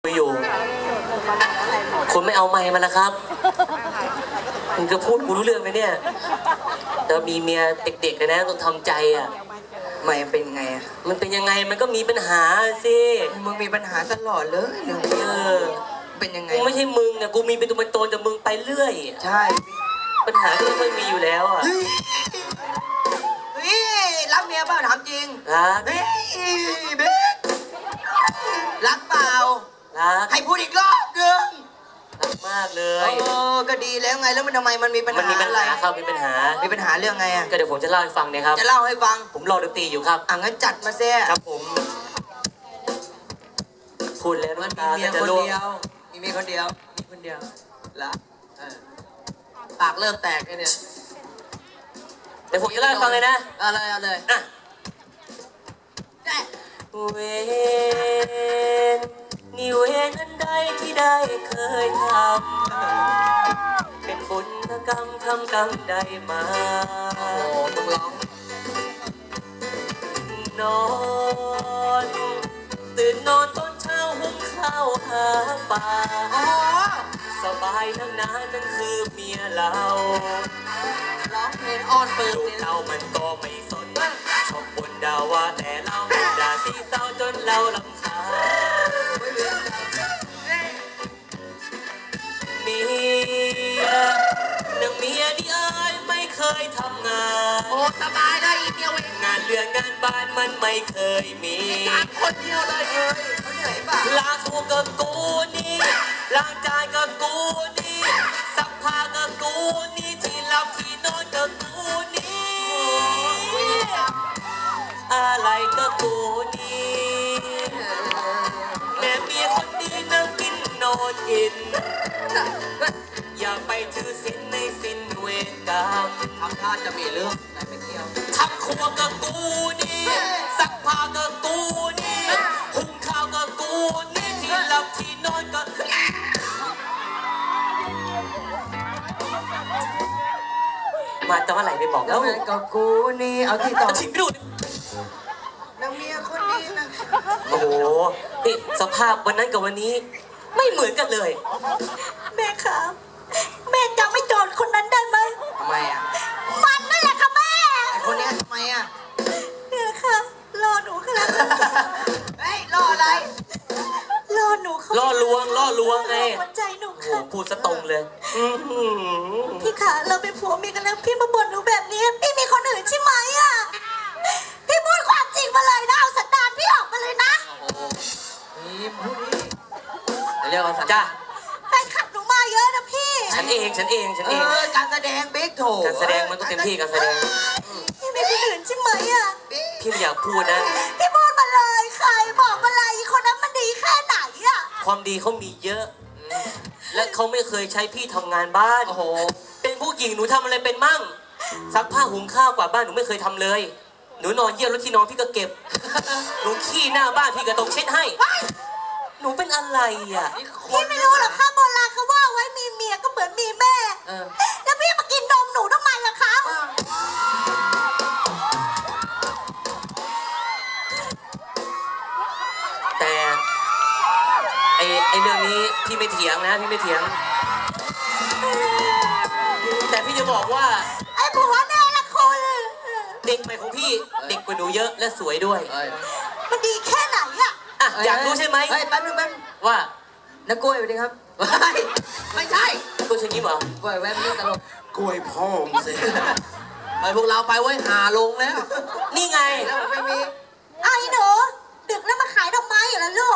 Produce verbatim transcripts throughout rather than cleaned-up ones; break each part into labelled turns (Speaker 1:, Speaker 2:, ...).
Speaker 1: อยู่คุณไม่เอาไมค์มาแล้วครับมึงจะพูดกูรู้เรื่องไหมเนี่ยแต่มีเมียเด็กๆเลยนะต้องทำใจอ่ะ
Speaker 2: ไม่เป็นไงอ่ะ
Speaker 1: มันเป็นยังไงมันก็มีปัญหาสิ
Speaker 2: มึงมีปัญหาตลอดเลยเรื่องเอ
Speaker 1: อ
Speaker 2: เป็นยังไง
Speaker 1: กูไม่ใช่มึงอ่ะกูมีเป็นตัวเป็นตนแต่มึงไปเรื่อย
Speaker 2: ใช่
Speaker 1: ปัญหาที่ไม่ค่อยมีอยู่แล้วอ่ะ
Speaker 2: เฮ้ยรักเมียเปล่าถามจริง
Speaker 1: รัก
Speaker 2: เฮ้ยเบ๊กรักเปล่า
Speaker 1: รัก
Speaker 2: ให้พูดอีกรอบหนึ่ง
Speaker 1: รักมากเลย
Speaker 2: เออก็ดีแล้วไงแล้วมันทำไมมันมีปัญหา
Speaker 1: มันมีปัญหาครับมีปัญหา
Speaker 2: มีปัญหาเรื่องไงอ่ะ
Speaker 1: ก็เดี๋ยวผมจะเล่าให้ฟังนะครับ
Speaker 2: จะเล่าให้ฟัง
Speaker 1: ผมรอดนตรีอยู่ครับ
Speaker 2: อ่ะงั้นจัดมาเสีย
Speaker 1: ครับผมพูดแล้ว
Speaker 2: มันมี
Speaker 1: ตา
Speaker 2: เมียคนเดียวมีเมียคนเดียวมีคนเดียวละเออปากเริ่มแตกเลยเนี่ย
Speaker 1: เดี๋ยวผมจะเล่าให้ฟังเลยนะ
Speaker 2: เอาเลยเอาเลย
Speaker 1: อ่ะเวรนี่เวรอันใดที่ได้เคยทำเป็นบุญกรรมทำกรรมใดมา
Speaker 2: โอ้ต้องร้อง
Speaker 1: นอนตื่นนอนตอนเช้าหุงข้าวหาปลาสบายทั้งนั้นนั่นคือเมียเรา
Speaker 2: ร้องเพลงอ้อนเปิด
Speaker 1: ลูกเรามันก็ไม่สนชอบบนดาว่าแต่เราด่าสีเศร้าจนเราลำคาญเมียนางเมียที่เอ้ยไม่เคยทำงาน
Speaker 2: โอ้สบายเลยอีเดียวเอง
Speaker 1: งานเรือนงานบ้านมันไม่เคยมี
Speaker 2: คนเดียวเลยเอ้ยเขาเหนื่อยป่ะ
Speaker 1: ล้างตัวกับกูนี่ล้างจานกับกูนี่ซักผ้ากับกูนี่ที่หลับที่นอนกับกูนี่อะไรกับกูนี่แม่เมียคนดีนั่งกินนอนกินอย่าไปถือศีลในศีลเวรกรรม
Speaker 2: ทำท่าจะมีเรื่องไหนไปเที่ยว
Speaker 1: ทำครัวกับกูนี่ซักผ้ากับกูนี่หุงข้าวกับกูนี่ที่หลับที่นอนกับมาจะว่าไหลไปบอกแล้ว
Speaker 2: กับกูนี่เอาที่ต่อ
Speaker 1: ทิ้งดู
Speaker 2: นางเมียคนนี้นะ
Speaker 1: โอ้โหนี่สภาพวันนั้นกับวันนี้ไม่เหมือนกันเลย
Speaker 3: แม่ครับแม่จำไม่โจรคนนั้นได้ไหม
Speaker 2: ทำไมอ่ะ
Speaker 3: มันนั่นแหละค่ะแม่
Speaker 2: ไอคนนี้ทำไมอ่ะ
Speaker 3: เนี่ยค่ะรอหนูค่ะ
Speaker 2: เฮ้ยรออะไร
Speaker 3: รอหนูเขา
Speaker 1: ล่อลวงล่อลวงไง
Speaker 3: หัวใจหนู
Speaker 1: ค่ะพูดซะตรงเลย
Speaker 3: พี่ขาเราเป็นผัวเมียกันแล้วพี่มาบ่นหนูแบบนี้พี่มีคนอื่นใช่ไหมอ่ะพี่พูดความจริงมาเลยนะเอาสันดานพี่ออกมาเลยนะ
Speaker 2: นี่พูดนี่เรียกว่าสัน
Speaker 1: จ้า
Speaker 3: แฟนคลับหนูมาเยอะนะพี่
Speaker 1: ฉันเองฉันเองฉันเอง
Speaker 2: การแสดงเบคโถ
Speaker 1: การแสดงมันต้องเต็มที่การแสดง
Speaker 3: พี่มีคนอื่นใช่ไหมอ่ะ
Speaker 1: พี่ไม่อยากพูดนะ
Speaker 3: พี่พูดมาเลยใครบอกมาเลยคนนั้นมันดีแค่ไหนอ่ะ
Speaker 1: ความดีเขามีเยอะและเขาไม่เคยใช้พี่ทำงานบ้าน
Speaker 2: โอ้โห
Speaker 1: เป็นผู้หญิงหนูทำอะไรเป็นมั่งซักผ้าหุงข้าวกวาดบ้านหนูไม่เคยทำเลยหนูนอนเยี่ยวรถที่นอนพี่ก็เก็บหนูขี้หน้าบ้านพี่ก็ต้องเช็ดให้หนูเป็นอะไรอ่ะ
Speaker 3: พี่ไม่รู้หรอกค่ะโบราณเขาว่าไว้มีเมียก็เหมือนมีแม่แล้วพี่มากินนมหนูทำไมล่ะคะ
Speaker 1: แต่ไอไอเรื่องนี้พี่ไม่เถียงนะพี่ไม่เถียงแต่พี่จะบอกว่า
Speaker 3: ไอ้ผัวแน่ละคน
Speaker 1: เด็กใหม่ของพี่เด็กกว่าหนูเยอะและสวยด้วย
Speaker 3: มันดีแค่ไหนอ่ะ
Speaker 1: อ่ะอยากรู้ใช่ไหม
Speaker 2: เฮ้ยแป๊บนึงแป๊บ
Speaker 1: ว่า
Speaker 2: นักกล้วยไปดิครับไม่ใช่
Speaker 1: กล้วยเชิญยิ้มเหร
Speaker 2: อกล้วยแวบนี้ตลก
Speaker 4: กล้วยพ่อมสิ
Speaker 2: ไปพวกเราไปไว้หาลงแล้ว
Speaker 1: นี่ไง
Speaker 2: แล้วไม่มี
Speaker 3: ไอ้หนูดึกแล้วมาขายดอกไม้อยู่แล้วลูก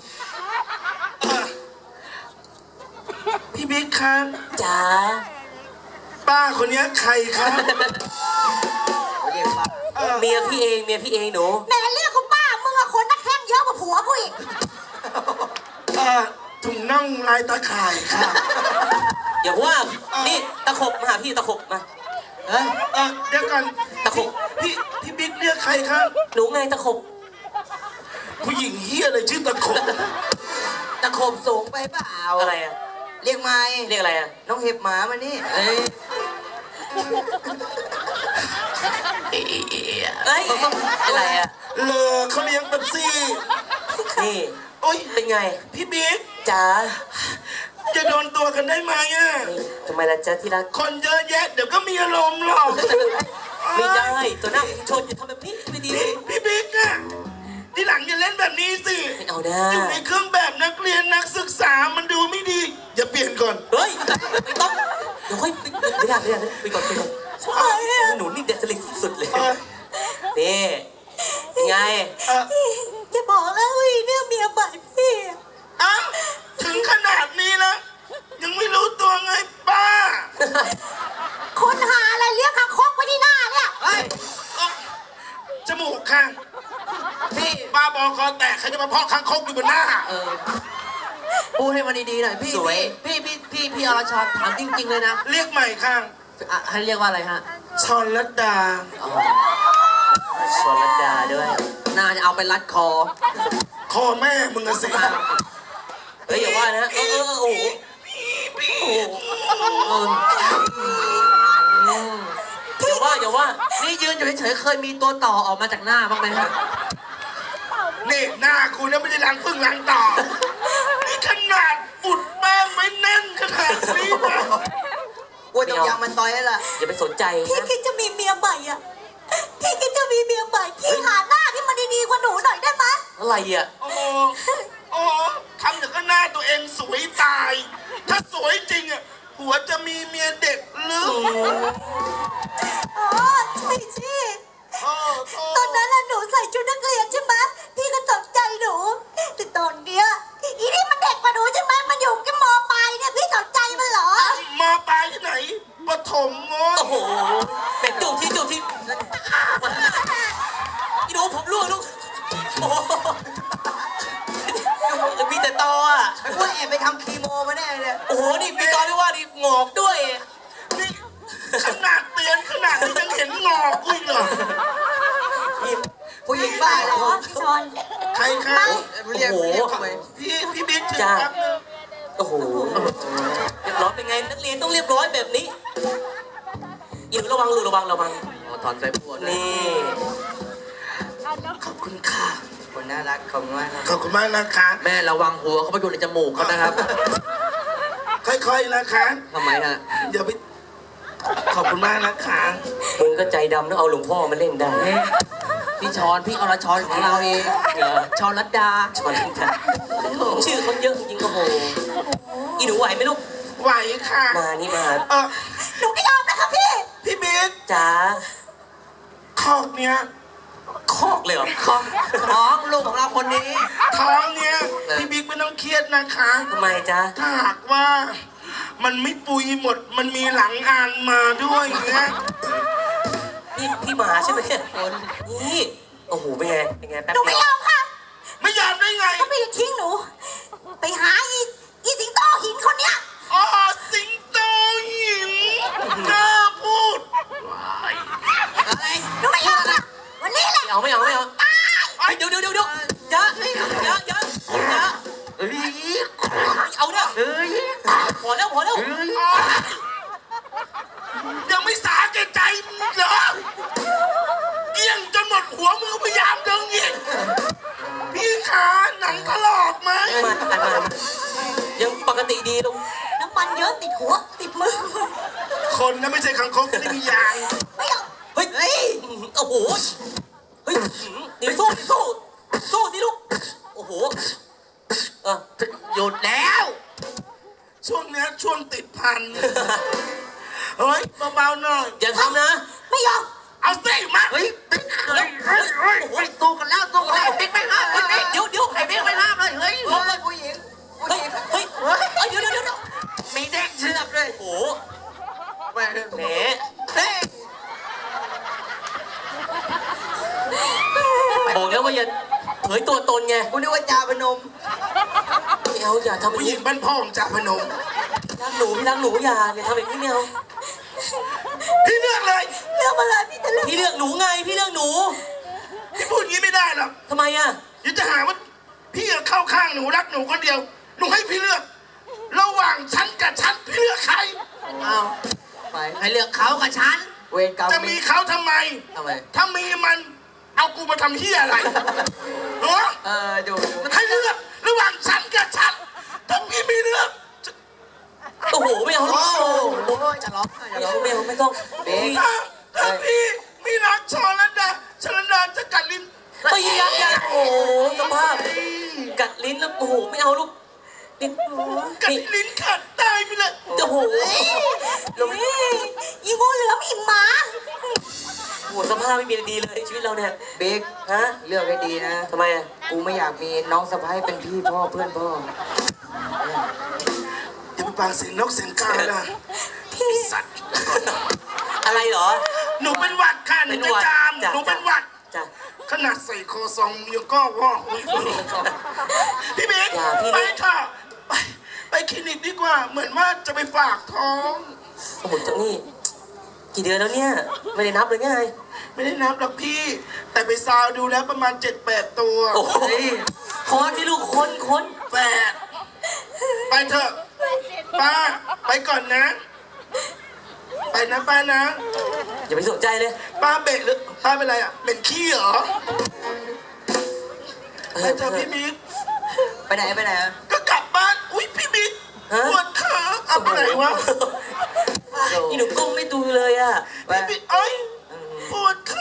Speaker 4: พี่บิ๊กครับ
Speaker 1: จ๋า
Speaker 4: ป้าคนนี้ใครครับ
Speaker 1: เมียพี่เองเมียพี่เองหนู
Speaker 3: แม่เรียกคุณป้ามึงอะคนนักแข่งเยอะกว่าผัวกูอีก
Speaker 4: ถุงน่องลายตาข่ายค่ะ
Speaker 1: อย่าว่านี่ตะขบมาหาพี่ตะขบมา
Speaker 4: เออเออเดี๋ยวกัน
Speaker 1: ตะขบ
Speaker 4: พี่พี่บิ๊กเรียกใครครับ
Speaker 1: หนูไงตะขบ
Speaker 4: ผู้หญิงเฮียอะไรชื่อตะขบ
Speaker 2: ตะขบสูงไปเปล่า
Speaker 1: อะไรอะ
Speaker 2: เรียกไม้
Speaker 1: เรียกอะไรอะ
Speaker 2: น้องเห็บหมามานี่เอ้ย
Speaker 1: เอ้ยอะไรอะ
Speaker 4: เลอเขาเลี้ยงเป๊ปซี่
Speaker 1: นี่
Speaker 4: โอ๊ย
Speaker 1: เป็นไง
Speaker 4: พี่บิ๊ก
Speaker 1: จ๋า
Speaker 4: จะโดนตัวกันได้ไหมอ่ะ
Speaker 1: ทำไมล่ะจ๊ะที่รัก
Speaker 4: คนเยอะแยะเดี๋ยวก็มีอารมณ์หรอก
Speaker 1: ไม่ได้ตัวหน้าชนอย่าทำแบบนี้ไม่ดี
Speaker 4: พี่พี่บิ๊กอ่ะที่หลังอย่าเล่นแบบนี้สิ
Speaker 1: ไม่เอาได้
Speaker 4: อยู่ในเครื่องแบบนักเรียนนักศึกษามันดูไม่ดี อย่าเปลี่ยนก่อน
Speaker 1: เฮ้ยไม่ต้องเดี๋ยวค่อยไม่ได้ไม่ได้ไปก่อนไปก่อนหนูนี่เด็ดสลิดสุดเลย
Speaker 4: เออ
Speaker 1: นี่เป็นไง
Speaker 4: เออ
Speaker 3: จะบอกแล้วว่าอีเนี่ยเมียใหม่พี่
Speaker 4: เอ้าถึงขนาดนี้แล้วยังไม่รู้ตัวไงป้า
Speaker 3: คนหาอะไรเรียกคางคกไว้ที่หน้าเนี่ย
Speaker 2: เฮ้ย
Speaker 4: เอ้าจมูกข้าง
Speaker 2: พี่
Speaker 4: ป้าบอคอแตกใครจะมาเพาะคางคกอยู่บนหน้า
Speaker 2: เออพูดให้มันดีๆหน่อยพี่
Speaker 1: สวย
Speaker 2: พี่พี่พี่พี่อรชรถามจริงๆเลยนะ
Speaker 4: เรียกใหม่ข้าง
Speaker 2: อ่ะให้เรียกว่าอะไรฮะ
Speaker 4: ชอนลัดดา
Speaker 1: ชนรัตดาด้วย
Speaker 2: น่าจะเอาไปรัดคอ
Speaker 4: คอแม่มึงอะสิ
Speaker 1: เฮ้ยอย่าว่านะเออเออโอ้โหโอ้โหอย่าว่าอย่าว่า
Speaker 2: นี่ยืนอยู่เฉยๆเคยมีตัวต่อออกมาจากหน้าบ้างไหมฮะ
Speaker 4: นี่หน้ากูเนี่ยไม่ได้ล้างพึ่งล้างต่อนี่ขนาดอุดแป้งไว้แน่นขนาดนี้นะ
Speaker 2: อ้วนต้องยางมันต่อยแล้วล่ะ
Speaker 1: อย่าไปสนใจ
Speaker 3: พี่
Speaker 1: นะ
Speaker 3: คิดจะมีเมียใหม่อ่ะพี่คิดจะมีเมียใหม่พี่หาหน้าที่มันดีๆกว่าหนูหน่อยได้ไหม
Speaker 1: อะไรอ่ะ
Speaker 4: โอ้โหโอ้โหทำอย่างก็หน้าตัวเองสวยตาย ถ้าสวยจริงอ่ะหัวจะมีเมียเด็กหรือ
Speaker 3: อ๋อใช่สิ
Speaker 4: โอ้โห
Speaker 3: ตอนนั้นน่ะหนูใส่ชุดนักเรียนใช่ไหมพี่ก็ตกใจหนูแต่ตอนเนี้ยอีนี่มันเด็กกว่าหนูใช่ไหมมันอยู่แค่มปลายเนี่ยพี่ตกใจมันเหรอ
Speaker 4: มาปลายที่ไหนปฐมโว้ย
Speaker 1: โอ้โหเป็นจูบที่จูบที่พี่หนูผมร่วงลูกโอ้โหมีแต่ตออ่ะ
Speaker 2: ไอ้พวกแอบไปทำคีโมมาแน่เลย
Speaker 1: โอ้โหนี่มีตอที่ว่านี่งอกด้วย
Speaker 4: นี่ขนาดเตียนขนาดนี้ยังเห็นงอกกูอีกเหรอ
Speaker 1: นี่
Speaker 2: ผู้หญิงบ้า
Speaker 3: เห
Speaker 2: เห
Speaker 3: ร
Speaker 2: ร
Speaker 3: อ
Speaker 2: อ
Speaker 3: พี่ชอน
Speaker 4: ใครคะ
Speaker 2: เรียกเรียกทำไม
Speaker 4: พี่พี่บิ๊กถึง
Speaker 1: จ้า
Speaker 4: แป๊บนึง
Speaker 1: โอ้โหเรียบร้อยเป็นไงนักเรียนต้องเรียบร้อยแบบนี้อีกระวังลูกระวังระวัง
Speaker 2: อ๋อถอนสายพวดเลย
Speaker 1: นี่
Speaker 4: ขอบคุณค่ะ
Speaker 2: คนน่ารักขอบคุณมากครับ
Speaker 4: ขอบคุณมากนะคะ
Speaker 2: แม่ระวังหัวเขาไปอยู่ในจมูกเขานะครับ
Speaker 4: ค่อยๆนะคะ
Speaker 2: ทำไมฮะ
Speaker 4: เดี๋ยวไปขอบคุณมากนะคะ
Speaker 1: มึงก็ใจดำต้องเอาหลวงพ่อมาเล่นได้
Speaker 2: พี่ชอนพี่อรชรของเราเอง
Speaker 1: เหรอ
Speaker 2: ชอนรัตดา
Speaker 1: ชอนกันชื่อเขาเยอะจริงๆโอ้โหอีหนูไหวไหมลูก
Speaker 4: ไหวค่ะ
Speaker 1: มานี่มา
Speaker 4: เออ
Speaker 3: หนูไม่ยอมนะคะพี่
Speaker 4: พี่บิ๊ก
Speaker 1: จ๋า
Speaker 4: คอกเนี้ย
Speaker 1: คอกเลยเหรอ
Speaker 2: ของน้องลูกของเราคนนี้
Speaker 4: ท้องเนี้ยพี่บิ๊กไม่ต้องเครียดนะคะ
Speaker 1: ทำไมจ๊ะ
Speaker 4: ถ้าหากว่ามันไม่ปุยหมดมันมีหลังอ่านมาด้วยอย่างเงี้ย
Speaker 1: นี่พี่หมาใช่ไหมเนี่ยนี่โอ้โหเป็นไงเป็นไงแป๊บ
Speaker 3: หนูไม่
Speaker 1: เดีย
Speaker 3: ยว อมค่ะ
Speaker 4: ไม่ยอมได้ไง
Speaker 3: ก็พี่ทิ้งหนู ไปหาอีอีสิงโตหินคนเนี้ย
Speaker 4: อ๋อสิงโตหินกล้าพูด
Speaker 2: อะไร
Speaker 3: หนูไม่ยอมค่ะวันนี้แหละ
Speaker 1: ไม่เอาไม่เอาไม่เอาเฮ้ยเดี๋ยวเดี๋ยวเดี๋ยวเดี๋ยวอย่าอย่าอย่าอย่า
Speaker 2: เฮ้ย
Speaker 1: เอาเนี่ย
Speaker 2: เฮ้ย
Speaker 1: พอแล้วพอแล้ว
Speaker 2: เฮ้ย
Speaker 4: อ๋อยังไม่สาแก่ใจมึงเหรอเกี้ยงจนหมดหัวมือพยายามดึงอีกพี่ขาหนังถลอกไหม
Speaker 1: มาอันมายังปกติดีลุง
Speaker 3: น้ำมันเยอะติดหัวติดมือ
Speaker 4: คนนะไม่ใช่คังคกไม่ได้มียาง
Speaker 3: ไม่ยอม
Speaker 1: เฮ้ยเฮ้ยโอ้โหเฮ้ยเดี๋ยวสู้ดิสู้สู้ดิลูกโอ้โหเออ
Speaker 2: หยุดแล้ว
Speaker 4: ช่วงเนี้ยช่วงติดพัน เฮ้ยเบาๆหน่อย
Speaker 1: อย่าทำนะ
Speaker 3: ไม่ยอม
Speaker 4: เอาสิมา
Speaker 2: เฮ้ยติ๊กเฮ้ยเฮ้ยเฮ้ยเฮ้ยสู้กันแล้วสู้กันแล้วติ๊กไม่ห้ามเลยติ๊ก
Speaker 1: เดี๋ยวเดี๋ยว
Speaker 2: ไอ้ติ๊กไม่ห้ามเลยเฮ้ยเฮ้ยผู้หญิงผู้
Speaker 1: เฮ้ย
Speaker 2: หญิง
Speaker 1: เฮ้ยเฮ้ยเดี๋ยวเดี๋ยวเดี๋ยว
Speaker 2: มีเด็กเชือกเลย
Speaker 1: โอ้โห
Speaker 2: แม่
Speaker 1: แหม
Speaker 2: เฮ้ย
Speaker 1: บอกแล้วว่าอย่าเผยตัวตนไง
Speaker 2: กูนึกว่าจาพนม
Speaker 1: ไม่เอาอย่าทำแบบ
Speaker 4: ผู้หญิ
Speaker 1: นี้
Speaker 4: งบ้านพ่อของจ่าพนม
Speaker 1: รักหนูพี่รักหนูอย่าอย่าทำแบบนี้ไม่เอา
Speaker 4: พี่เลือกเลย
Speaker 3: เรื่องอะไรพี่จะเลือก
Speaker 1: พี่เลือกหนูไงพี่เลือกหนู
Speaker 4: พี่พูดอย่างนี้ไม่ได้หรอก
Speaker 1: ทำไมอ่ะ
Speaker 4: เดี๋ยวจะหาว่าพี่เข้าข้างหนูรักหนูคนเดียวหนูให้พี่เลือก ระหว่างฉันกับฉันพี่เลือกใคร
Speaker 2: อ้าวไปให้เลือกเขากับฉัน เวรกรรม
Speaker 4: จะมีเขาทำไม
Speaker 2: ทำไม
Speaker 4: ถ้ามีมันเอากูมาทำเฮียอะไรเหรอ
Speaker 2: เออดูดู
Speaker 4: ให้เลือกระหว่างฉันกับฉันถ้าพี่มีเรื่อง
Speaker 1: โอ้โหไม่เอา
Speaker 2: โอ้
Speaker 1: ลูก
Speaker 2: โหจะร้องจะ
Speaker 1: ไม่
Speaker 2: ร้อ
Speaker 1: เอา
Speaker 2: ง
Speaker 1: ไม่เอาไม่ต้อง
Speaker 2: เบ๊ก
Speaker 4: ถ้าถ้าพี่มีรักชอลันดาชอลันดาจะกัดลิ้น
Speaker 1: ไม่อยากอยากโอ้โหสภาพกัดลิ้นแล้วโอ้โหไม่เอาลูกนี่
Speaker 4: กัด
Speaker 1: นี่
Speaker 4: ลิ้นขาดตายไปเลย
Speaker 1: โอ้โหลง
Speaker 3: เฮ้ยอีงูเหลือมอีหมา
Speaker 1: โอ้โหสภาพไม่มีอะไรดีเลยชีวิตเราเนี่ย
Speaker 2: เบ๊ก
Speaker 1: ฮะ
Speaker 2: เลือกให้ดีนะ
Speaker 1: ทำไมอ่ะ
Speaker 2: กูไม่อยากมีน้องสะพ้ายเป็นพี่พ่อเพื่อนพ่อ
Speaker 4: อย่าไปปางเสียงนกเสียงกานะ
Speaker 3: พี่
Speaker 4: สัตว์
Speaker 1: อะไรเหรอ
Speaker 4: หนูเป็นหวัดค่ะหนูจะจาม
Speaker 1: จ้ะ
Speaker 4: หนูเป็นหวัด
Speaker 1: จ้ะ
Speaker 4: ขนาดใส่คอซองยังก็ว่าอุ๊ยพี่เบ๊ก
Speaker 1: อย่าพี่
Speaker 4: ไปค่ะไปไปคลินิกดีกว่า เหมือนว่าจะไปฝากท้อง
Speaker 1: โอ้โหจังนี่กี่เดือนแล้วเนี่ยไม่ได้นับเลยไง
Speaker 4: ไม่ได้นับหรอกพี่ แต่ไปซาวดูแล้วประมาณเจ็ดแปดตัว
Speaker 1: โอ้โหคอนที่ลูกคนคน
Speaker 4: แปดไปเถอะป้าไปก่อนนะ ไปนะป้านะ
Speaker 1: อย่าไปสนใจเลย
Speaker 4: ป้าเบะหรือป้าเป็นไรอ่ะเป็นขี้เหรอ
Speaker 1: เอ
Speaker 4: ไป
Speaker 1: อ
Speaker 4: เถอะพี่บิ๊ก
Speaker 2: ไปไหนไปไหนอะ
Speaker 4: ก็กลับบ้านอุ้ยพี่บิ๊ก
Speaker 1: ฮะ
Speaker 4: ปวดขาเอาไปไหนวะ
Speaker 1: นี่หนูก้มไม่ดูเลยอ่ะ
Speaker 4: พี่บิ๊กเอ้ยปวดขา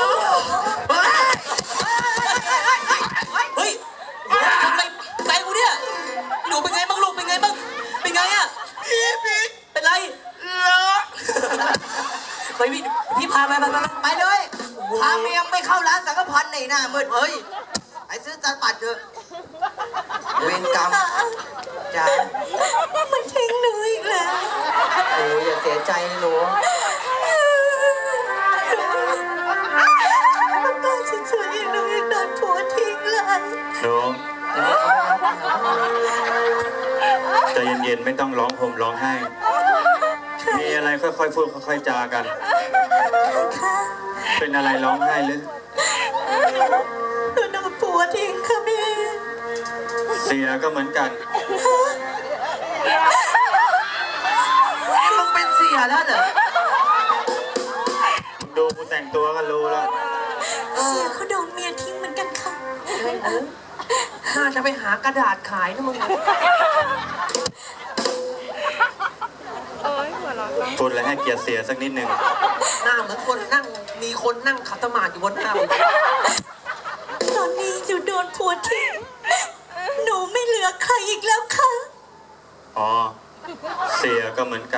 Speaker 1: เฮ้ยทำไมใจกูเนี่ยหนูเป็นไงบ้างลูกเป็นไงบ้างเป็นไงอ่ะ
Speaker 4: พี่บิ๊ก
Speaker 1: เป็นไร
Speaker 4: เลอะ
Speaker 1: ไปพี่พี่พาไปไปไป
Speaker 2: ไปเลยพาเมียไม่เข้าร้านสังฆพันธ์ในหน้ามืดเฮ้ยไปซื้อตาปัดเถอะเวรกรรมจ้า
Speaker 3: มันทิ้งหนูอีกแล้ว
Speaker 2: โอ้ยอย่าเสียใจนะหนู
Speaker 3: ป้าจะช่วยหนูอีกโดนผัวทิ้งเลย
Speaker 5: หนูใจเย็นๆไม่ต้องร้องห่มร้องไห้ มีอะไรค่อยๆพูดค่อยๆจากัน
Speaker 3: ค่ะ
Speaker 5: เป็นอะไรร้องไห้หรือ
Speaker 3: หนูโดนผัวทิ้งค่ะพี่
Speaker 5: เสียก็เหมือนกัน
Speaker 2: มึงเป็นเสียแล้วเหรอ
Speaker 5: ดูกูแต่งตัวก็รู้แล้ว
Speaker 3: เสียเขาโดนเมียทิ้งเหมือนกันค่ะ
Speaker 2: น่าจะไปหากระดาษขายนะมึง
Speaker 5: พูดอะไรให้เกียรติเสียสักนิดหนึ่ง
Speaker 2: หน้าเหมือนคนนั่งมีคนนั่งขัดสมาธิอยู่บนหน้ามึง
Speaker 3: ตอนนี้หนูโดนผัวทิ้งหนูไม่เหลือใครอีกแล้วค่ะ
Speaker 5: อ๋อ เสียก็เหมือนกัน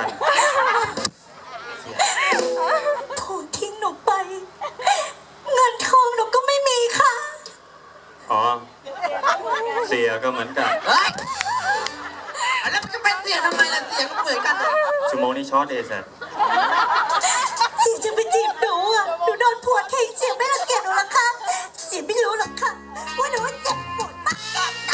Speaker 3: ผัวทิ้งหนูไป เงินทองหนูก็ไม่มีค่ะ
Speaker 5: อ๋อ เสียก็เหมือนกัน
Speaker 2: เฮ้ยแล้วมันจะเป็นเสียทำไมล่ะเสียก็เหมือนกัน
Speaker 5: ชั่วโมงนี้ช็อตเอสอะ
Speaker 3: เสียจะไปจีบหนูอ่ะ หนูโดนผัวทิ้งเสียไม่รังเกียจหนูหรอกค่ะเสียไม่รู้หรอกค่ะ ว่าหนูเจ็บปวดมากแค่ไหน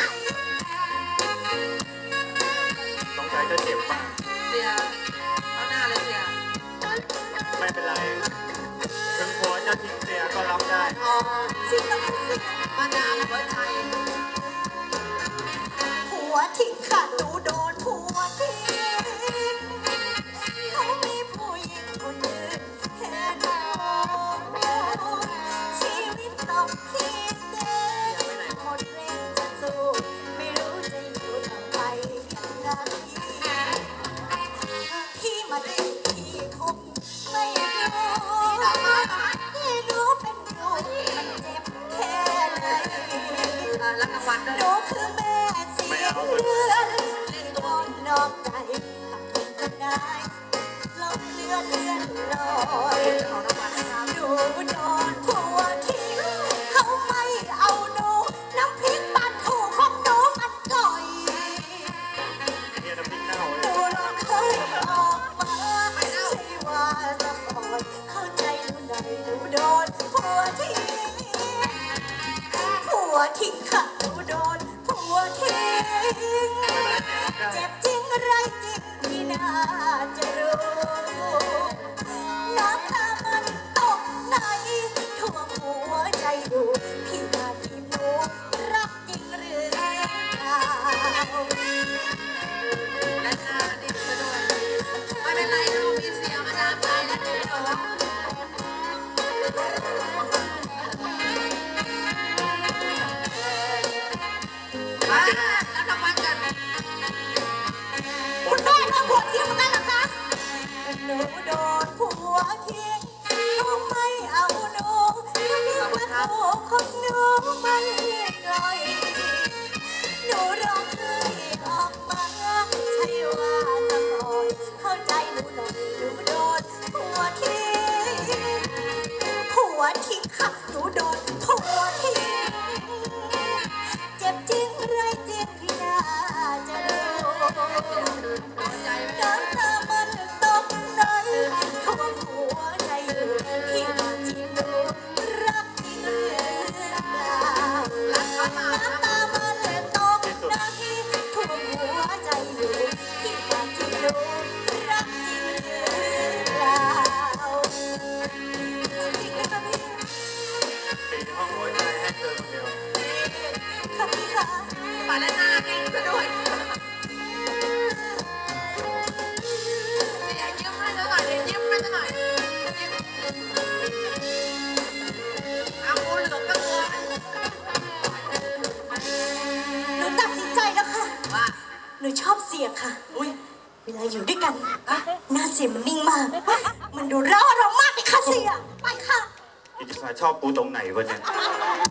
Speaker 5: สงสัยจะเจ็บมาก
Speaker 2: เสียเอาหน้าเลยเสีย
Speaker 5: ไม่เป็นไร ถึงผัวจะทิ้งเสียก็รับได้
Speaker 2: อ๋อ
Speaker 3: เสียต้องเสีย
Speaker 2: มานานหัวใจ
Speaker 3: ผัวทิ้งค่ะหนูโดนผัวทิ้งเขามีผู้หญิงคนอื่นแค่หนูชีวิตต้องคิดเองหมดแรงจะสู้ไม่รู้จะอยู่ต่อไปยังไงพี่มาเล่นพี่คงไม่รู้ที่หนูเป็นอยู่มันเจ็บแค่ไหน
Speaker 2: รับรางวัลด้วย
Speaker 3: หนูคือแม่เสียเรือนโดนนอกใจทำคนได้ลบเลือนเลือนลอยหนูโดนผัวทิ้งเขาไม่เอาหนูน้ำพริกปลาทูของหนูมันก่อย
Speaker 5: เฮียน้ำพริกเน่า
Speaker 3: ห
Speaker 5: เล
Speaker 3: นู
Speaker 5: ย
Speaker 3: ร้องไห้ออกมาไม่ใช่ว่าสะกดเข้าใจหนูหน่อยหนูโดนผัวทิ้งผัวทิ้งค่ะหนูโดนผัวทิ้งเจ็บจริงไรจริงพี่น่าจะรู้น้ำตามันตกไหนท่วมหัวใจหนูชอบเสียค่ะ
Speaker 2: อุ้ย
Speaker 3: เวลาอยู่ด้วยกันหน้าเสียมันนิ่งมาก มันดูร่าเรามากเลยค่ะเสีย ไปค่ะ
Speaker 5: อิทธิศาสตร์ชอบกูตรงไหนวะเนี่ย